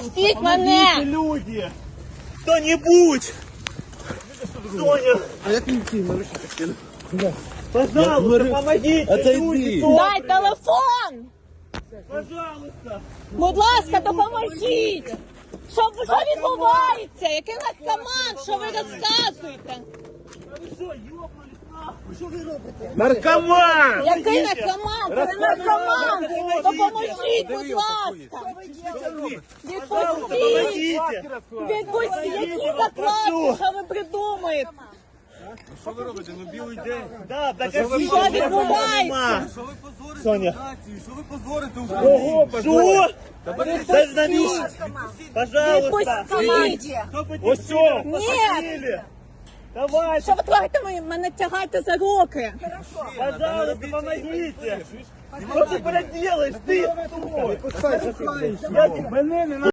Відпустіть мене! Люди! Кто-нибудь! Соня! А як мені ці наручники скину? Пожалуйста, помогите! Отойди. Дай телефон! Пожалуйста! Будь ласка, допоможіть! Що відбувається? Який наркоман? Що ви розказуєте? Наркоман! Який наркоман? Це не наркоман! Допоможіть, будь ласка! Відпустіть! Відпустіть! Які закладки? Що ви придумаєте? Що ви робите? Ну білий день. Да, так Що відбувається? Що ви позорите Соня. націю? Що ви позорите Україну? Ого, что? Дай на месте! Пожалуйста! Відпустіть! Вот все! Ні! Давай! Що ви творите? Мене тягаєте за руки! Пожалуйста, помогите! Что ты, блядь, делаешь? Ты! Я тебе